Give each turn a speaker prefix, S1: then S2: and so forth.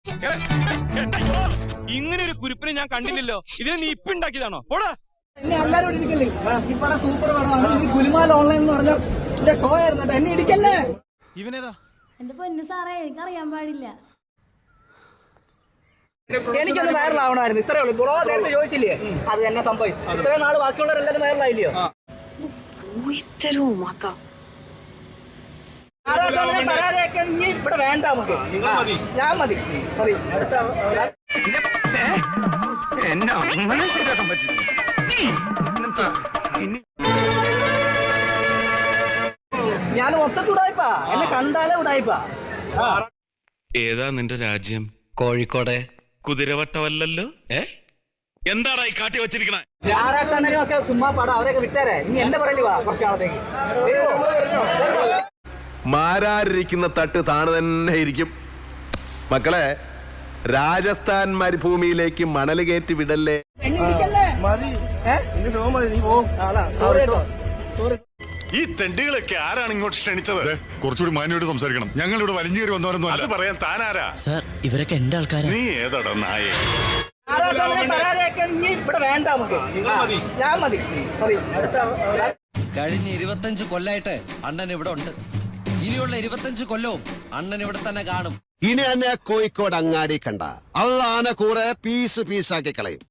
S1: ഇങ്ങനെ ഒരു കുരിപ്പിനെ ഞാൻ കണ്ടില്ലല്ലോ. ഇതിനെ നീ ഇപ്പൊ ഉണ്ടാക്കിയതാണോ? പോടാ.
S2: എന്നെ എല്ലാരും ഇടിക്കല്ലേ? ഈ പടം സൂപ്പർ പടമാണ്. ഗുലുമാൽ ഓൺലൈൻ എന്ന് പറഞ്ഞ എന്റെ ഷോ ആയിരുന്നു കേട്ടോ. എന്നെ ഇടിക്കല്ലേ?
S1: ഇവനേതാ?
S3: എന്റെ പൊന്നു സാറേ, എനിക്കറിയാൻ പാടില്ല.
S2: എനിക്കൊന്ന് വൈറലാവണമായിരുന്നു. ഇത്രേ ഉള്ളൂ. ബ്രോ നേരത്തെ ചോദിച്ചില്ലേ അത് എന്നെ സംഭവം. ഇത്രയും നാള് ബാക്കിയുള്ളവരെല്ലാരും വൈറലായില്ലയോ? പരാതിയൊക്കെ ഇനി ഇവിടെ വേണ്ട നമുക്ക്. ഞാൻ മതി മതി. ഞാൻ മൊത്തത്തിൽ ഉടായിപ്പാ. എന്നെ കണ്ടാലേ ഉടായിപ്പാ.
S1: ഏതാ നിന്റെ രാജ്യം?
S4: കോഴിക്കോട്.
S1: കുതിരവട്ടമല്ലല്ലോ. എന്താടാ ഈ കാട്ടി വെച്ചിരിക്കണ?
S2: ആരാട്ടണ്ണനും ഒക്കെ ചുമ്മാ പടം. അവരൊക്കെ വിട്ടേരെ. നീ എന്റെ പറയല് വാ കുറച്ച് നാളത്തേക്ക്.
S5: മാരാരിരിക്കുന്ന തട്ട് താണു തന്നെ ഇരിക്കും. മക്കളെ, രാജസ്ഥാൻ മരുഭൂമിയിലേക്ക് മണൽ കയറ്റി വിടല്ലേ.
S6: ഈ തെണ്ടികളൊക്കെ ആരാണ് ഇങ്ങോട്ട് ക്ഷണിച്ചത്? കുറച്ചുകൂടി മാന്യോട് സംസാരിക്കണം. ഞങ്ങൾ ഇവിടെ വലിഞ്ഞു കയറി വന്നവരൊന്നും അത് പറയാൻ താനാരാ?
S4: സാർ, ഇവരൊക്കെ എന്റെ ആൾക്കാരാ.
S6: നീ ഏതാടാ നായേ?
S2: പരാതിയൊക്കെ ഇനി ഇവിടെ വേണ്ട നമുക്ക്. ഞാൻ മതി മതി.
S7: കഴിഞ്ഞ 25 കൊല്ലായിട്ട് അണ്ണൻ ഇവിടെ ഉണ്ട്. ഇനിയുള്ള 25 കൊല്ലവും അണ്ണൻ ഇവിടെ തന്നെ കാണും.
S8: ഇനി എന്നെ കോഴിക്കോട് അങ്ങാടി കണ്ട അള്ളാനെ കൂടെ പീസ് പീസാക്കി കളയും.